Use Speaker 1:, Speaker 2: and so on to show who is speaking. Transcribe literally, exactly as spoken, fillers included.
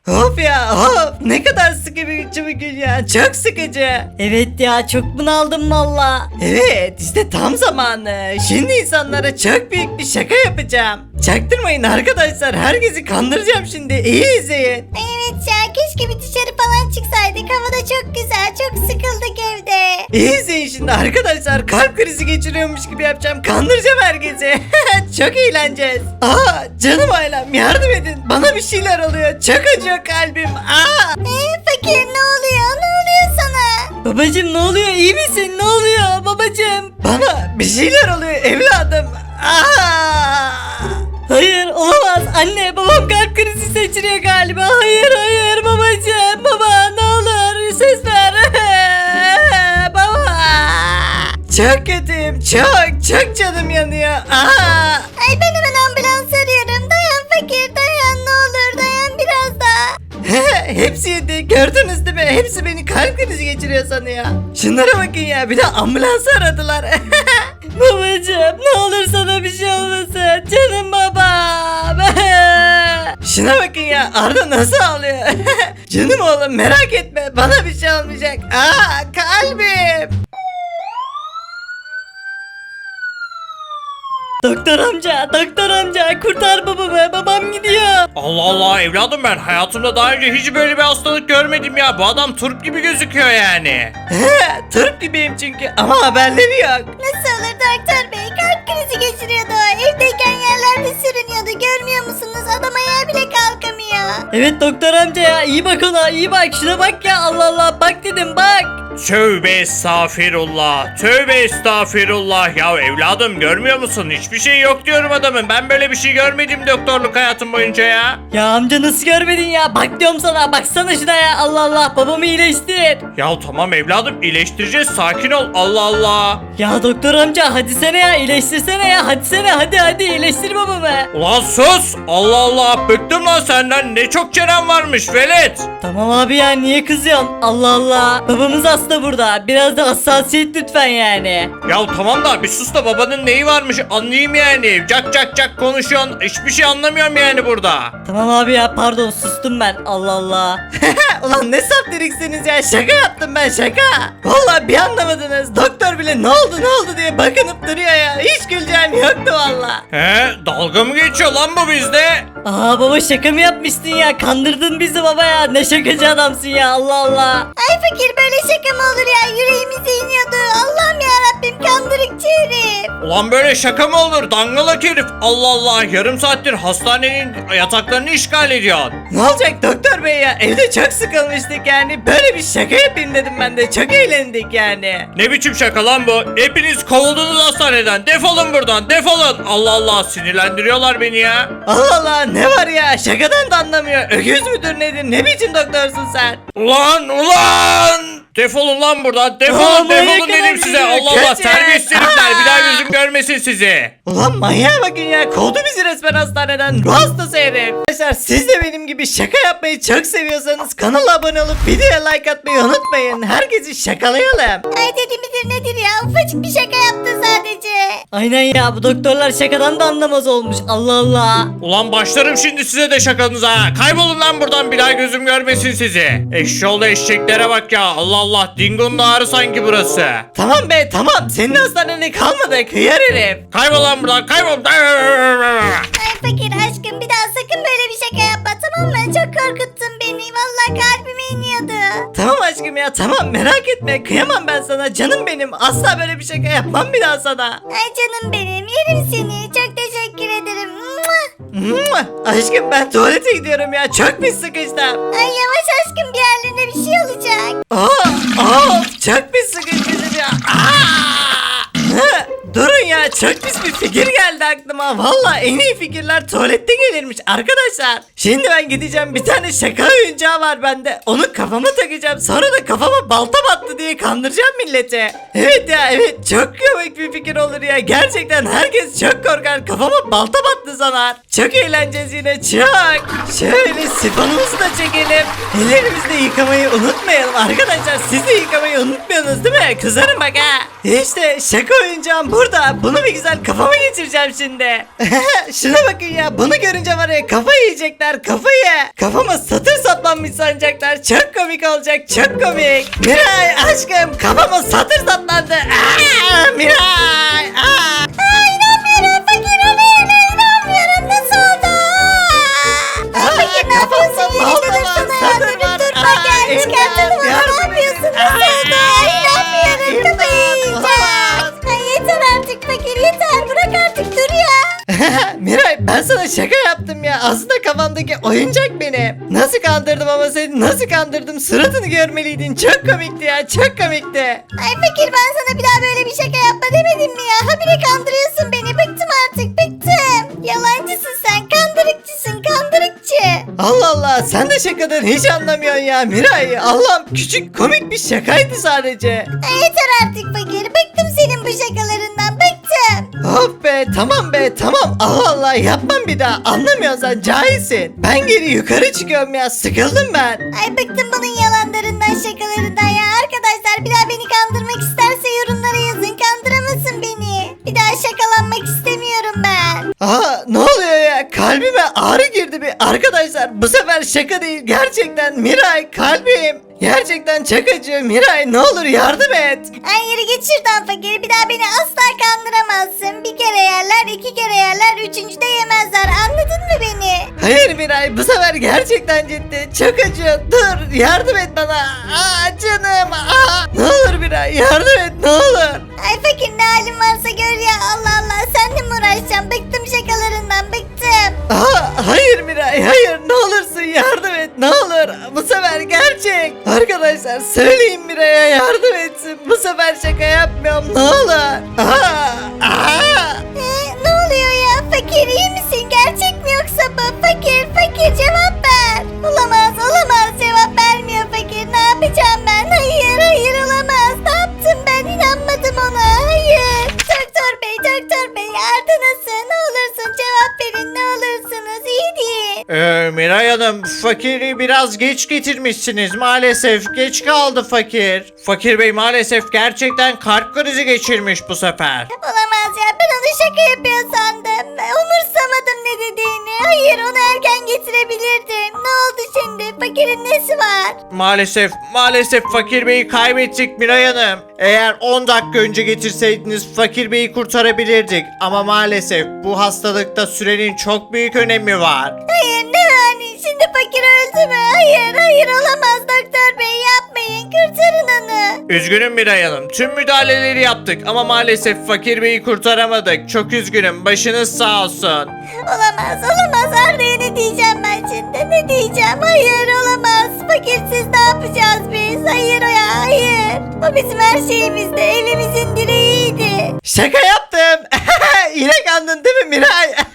Speaker 1: Of ya of, ne kadar sıkıcı bir gün ya, çok sıkıcı.
Speaker 2: Evet ya, çok bunaldım valla.
Speaker 1: Evet, işte tam zamanı. Şimdi insanlara çok büyük bir şaka yapacağım. Çaktırmayın arkadaşlar, herkesi kandıracağım şimdi, iyi izleyin.
Speaker 3: Evet ya, keşke bir dışarı falan çıksaydık. Hava da çok güzel, çok sıkıldık evde.
Speaker 1: İyi izleyin şimdi arkadaşlar, kalp krizi geçiriyormuş gibi yapacağım, kandıracağım herkesi. Çok eğleneceğiz. Aa, canım ailem, yardım edin, bana bir şeyler oluyor, çok acıyor kalbim. Aa.
Speaker 3: Ee, fakir ne oluyor? Ne oluyor sana?
Speaker 2: Babacım ne oluyor, iyi misin, ne oluyor babacım?
Speaker 1: Bana bir şeyler oluyor evladım. Aa.
Speaker 2: Hayır olamaz, anne babam kalp krizi geçiriyor galiba. Hayır hayır babacım, baba ne olur ses ver.
Speaker 1: Baba. Çok kötüyüm, çok çok canım yanıyor. Aa.
Speaker 3: Ay, ben hemen ambulans arıyorum. Dayan fakir, dayan, ne olur dayan biraz daha.
Speaker 1: Hepsi yedi, gördünüz değil mi? Hepsi beni kalp krizi geçiriyor sanıyor. Şunlara bakın ya, bir de ambulansı aradılar.
Speaker 2: Babacım ne olur sana bir şey olmasın, canım babam.
Speaker 1: Şuna bakın ya, Arda nasıl ağlıyor? Canım oğlum, merak etme, bana bir şey olmayacak. Aa, kalbim.
Speaker 2: Doktor amca, doktor amca kurtar babamı, babam gidiyor.
Speaker 4: Allah Allah evladım, ben hayatımda daha önce hiç böyle bir hastalık görmedim ya. Bu adam turp gibi gözüküyor yani.
Speaker 1: Turp gibiyim çünkü, ama haberleri yok.
Speaker 3: Nasıl olur doktor bey? Kalp krizi geçiriyordu. Evdeyken yerlerde sürünüyordu. Görmüyor musunuz? Adam ayağa bile kalkamıyor.
Speaker 2: Evet doktor amca ya, iyi bak ona, iyi bak, şuna bak ya, Allah Allah, bak dedim bak.
Speaker 4: Tövbe estağfirullah. Tövbe estağfirullah. Ya evladım, görmüyor musun? Hiçbir şey yok diyorum adamın. Ben böyle bir şey görmedim doktorluk hayatım boyunca ya.
Speaker 2: Ya amca nasıl görmedin ya, bak diyorum sana, baksana şuna ya, Allah Allah, babamı iyileştir.
Speaker 4: Ya tamam evladım, iyileştireceğiz, sakin ol. Allah Allah.
Speaker 2: Ya doktor amca hadi sene ya, iyileştirsene ya, hadi sene, hadi hadi iyileştir babamı.
Speaker 4: Ulan sus. Allah Allah, bıktım lan senden. Ne çok çenen varmış velet.
Speaker 2: Tamam abi ya, niye kızıyorsun, Allah Allah, babamız hasta burada, biraz da hassasiyet lütfen yani.
Speaker 4: Ya tamam da bir sus da babanın neyi varmış anlayayım yani. Cak cak cak konuşuyorsun. Hiçbir şey anlamıyorum yani burada.
Speaker 2: Tamam abi ya, pardon, sustum ben, Allah Allah.
Speaker 1: Ulan ne saptiriksiniz ya, şaka yaptım ben, şaka. Vallahi bir anlamadınız, doktor bile ne oldu ne oldu diye bakınıp duruyor ya. Hiç güleceğim yoktu valla.
Speaker 4: He, dalga mı geçiyor lan bu bizde?
Speaker 2: Aa baba, şaka mı yapmıştın ya, kandırdın bizi baba ya, ne şakacı adamsın ya, Allah Allah.
Speaker 3: Ay fakir, böyle şaka mı olur ya? Yüreğimize iniyordu. Allah'ım ya Rabbim, kandırıkçı herif.
Speaker 4: Ulan böyle şaka mı olur dangalak herif? Allah Allah, yarım saattir hastanenin yataklarını işgal ediyorsun.
Speaker 1: Ne olacak doktor bey ya, evde çok sıkılmıştık yani, böyle bir şaka yapayım dedim, ben de çok eğlendik yani.
Speaker 4: Ne biçim şaka lan bu? Hepiniz kovuldunuz hastaneden. Defolun buradan, defolun. Allah Allah, sinirlendiriyorlar beni ya.
Speaker 1: Allah Allah, ne var ya, şakadan da anlamıyor, öküz müdür nedir, ne biçim doktorsun sen?
Speaker 4: Ulan ulan! Defolun lan buradan, defolun,
Speaker 2: Aa,
Speaker 4: defolun
Speaker 2: manyak
Speaker 4: dedim
Speaker 2: adam
Speaker 4: size.
Speaker 2: gidiyor,
Speaker 4: Allah Allah,
Speaker 1: kaçın.
Speaker 4: terbiyesiz herifler, bir daha
Speaker 1: Aa!
Speaker 4: gözüm görmesin sizi.
Speaker 1: Ulan manyağa bakın ya, kovdu bizi resmen hastaneden, ruh hastası herif. Arkadaşlar siz de benim gibi şaka yapmayı çok seviyorsanız kanala abone olup videoya like atmayı unutmayın. Herkesi şakalayalım.
Speaker 3: Ay, dedi midir nedir ya? Ufacık bir şaka yaptı sadece.
Speaker 2: Aynen ya, bu doktorlar şakadan da anlamaz olmuş, Allah Allah.
Speaker 4: Ulan başlarım şimdi size de şakanıza ha. Kaybolun lan buradan, bir daha gözüm görmesin sizi. Eşşoğlu eşeklere bak ya. Allah Allah, Dingo'nun ağrı sanki burası.
Speaker 1: Tamam be tamam, senin hastanene kalmadık hıyar herif.
Speaker 4: Kaybol lan buradan, kaybol.
Speaker 3: Ay fakir aşkım, bir daha sakın böyle bir şaka yapma, tamam mı? Çok korkuttun beni. Vallahi kalbime iniyordu.
Speaker 1: Tamam aşkım ya, tamam, merak etme, kıyamam ben sana, canım benim, asla böyle bir şaka yapmam bir daha sana.
Speaker 3: Ay canım benim, yerim seni. Çok teşekkür ederim. Mua!
Speaker 1: Mua! Aşkım ben tuvalete gidiyorum ya, çok pis sıkıştım.
Speaker 3: Ay yavaş aşkım, bir yerlerine bir şey olacak.
Speaker 1: Aa, aa, çok pis sıkıştım ya. Aa! Hı, durun ya, çok pis bir fikir geldi aklıma. Valla en iyi fikirler tuvalette gelirmiş arkadaşlar. Şimdi ben gideceğim, bir tane şaka oyuncağı var bende. Onu kafama takacağım, sonra da kafama balta battı diye kandıracağım milleti. Evet ya, evet, çok komik bir fikir olur ya. Gerçekten herkes çok korkar, kafama balta battı sanar. Çok eğleneceğiz yine, çok. Şöyle sifonumuzu da çekelim. Ellerimizi de yıkamayı unutmayalım arkadaşlar. Siz de yıkamayı unutmuyorsunuz değil mi? Kızarım bak ha. İşte şaka oyuncağım burada. Bunu bir güzel kafama geçireceğim şimdi. Şuna bakın ya, bunu görünce var ya, kafayı yiyecekler, kafayı. Kafama satır sapla kazanmış sanacaklar. Çok komik olacak, çok komik. Miray aşkım kafama satır saplandı. Aa, Miray. Aa.
Speaker 3: Aa, inanmıyorum fakir o ne öyle inanmıyorum nasıl oldu? Aa,
Speaker 1: Aa,
Speaker 3: fakir ne yapıyorsun
Speaker 1: kafamda
Speaker 3: yerinde
Speaker 1: balta var,
Speaker 3: dursana ya
Speaker 1: satır
Speaker 3: dur
Speaker 1: var.
Speaker 3: dur
Speaker 1: Aa,
Speaker 3: bak gel
Speaker 1: imdat,
Speaker 3: çıkartalım onu ne
Speaker 1: yardım
Speaker 3: yapıyorsun
Speaker 1: edin.
Speaker 3: nasıl oldu?
Speaker 1: Aa,
Speaker 3: Ay, inanmıyorum
Speaker 1: imdat,
Speaker 3: kafayı yiyeceğim.
Speaker 1: olamaz.
Speaker 3: Ay, yeter artık fakir yeter bırak artık dur ya.
Speaker 1: Miray ben sana şaka yaptım ya. Aslında kafamdaki oyuncak benim. Nasıl kandırdım ama seni nasıl kandırdım? Suratını görmeliydin. Çok komikti ya, çok komikti.
Speaker 3: Ay fakir ben sana bir daha böyle bir şaka yapma demedim mi ya? Habire kandırıyorsun beni bıktım artık bıktım. Yalancısın sen kandırıkçısın kandırıkçı.
Speaker 1: Allah Allah sen de şakadan hiç anlamıyorsun ya Miray. Allah'ım küçük komik bir şakaydı sadece.
Speaker 3: Ay, yeter artık fakir bıktım senin bu şakalarından bıktım.
Speaker 1: Of be tamam be tamam. Allah Allah yapmam bir daha. Anlamıyorsun sen cahilsin. Ben geri yukarı çıkıyorum ya. Sıkıldım ben.
Speaker 3: Ay bıktım bunun yalanlarından şakalarından ya. Arkadaşlar bir daha beni kandırmak isterse yorumlara yazın kandıramasın beni. Bir daha şakalanmak istemiyorum ben.
Speaker 1: Aa ne oluyor ya? Kalbime ağrı girdi bir. Arkadaşlar bu sefer şaka değil. Gerçekten Miray kalbim. Gerçekten çok acıyor Miray. Ne olur yardım et.
Speaker 3: Ay yürü git şuradan fakir bir daha beni asla kandıramazsın. Bir kere yerler iki kere yerler üçüncüde yemezler anladın mı beni?
Speaker 1: Hayır Miray bu sefer gerçekten ciddi. Çok acıyor. Dur yardım et bana. Aa canım. Aa. Ne olur Miray yardım et ne olur.
Speaker 3: Ay fakir ne halin varsa gör ya Allah Allah senle mi uğraşacağım bıktım şakalarından bıktım.
Speaker 1: Aa, hayır Miray hayır ne olursun yardım et ne olur. Bu sefer gerçek. Arkadaşlar söyleyin Miray'a yardım etsin. Bu sefer şaka yapmıyorum ne olur. Aa, aa.
Speaker 3: Ee, ne oluyor ya fakir iyi misin gerçek mi yoksa bu fakir fakir cevap ver. Olamaz olamaz cevap vermiyor fakir ne yapacağım ben hayır hayır olamaz ne yaptım ben inanmadım ona hayır. Doktor bey doktor bey Arda nasıl ne olursun cevap verin ne olursunuz iyi değil.
Speaker 4: Ee, Miray Hanım fakiri biraz geç getirmişsiniz maalesef geç kaldı fakir. Fakir bey maalesef gerçekten kalp krizi geçirmiş bu sefer.
Speaker 3: Olamaz ya ben onu şaka yapıyor sandım. Umursamadım ne dediğini. Hayır onu erken getirebilirdim. Ne oldu şimdi? Fakirin nesi var?
Speaker 4: Maalesef maalesef fakir beyi kaybettik Miray Hanım. Eğer on dakika önce getirseydiniz fakir beyi kurtarabilirdik. Ama maalesef bu hastalıkta sürenin çok büyük önemi var.
Speaker 3: Hayır ne yani? Şimdi fakir öldü mü? Hayır hayır olamaz doktor bey yapmayın. Kurtarın onu.
Speaker 4: Üzgünüm Miray Hanım. Tüm müdahaleleri yaptık ama maalesef fakir beyi kurtaramadık. Çok üzgünüm. Başınız sağ olsun.
Speaker 3: Olamaz olamaz Arda'ya ne diyeceğim ben şimdi? Ne diyeceğim? Hayır olamaz. Fakirsiz ne yapacağız biz? Hayır o ya hayır. O bizim her şeyimizdi. Evimizin direğiydi.
Speaker 1: Şaka yaptım. Yine kandın değil mi Miray?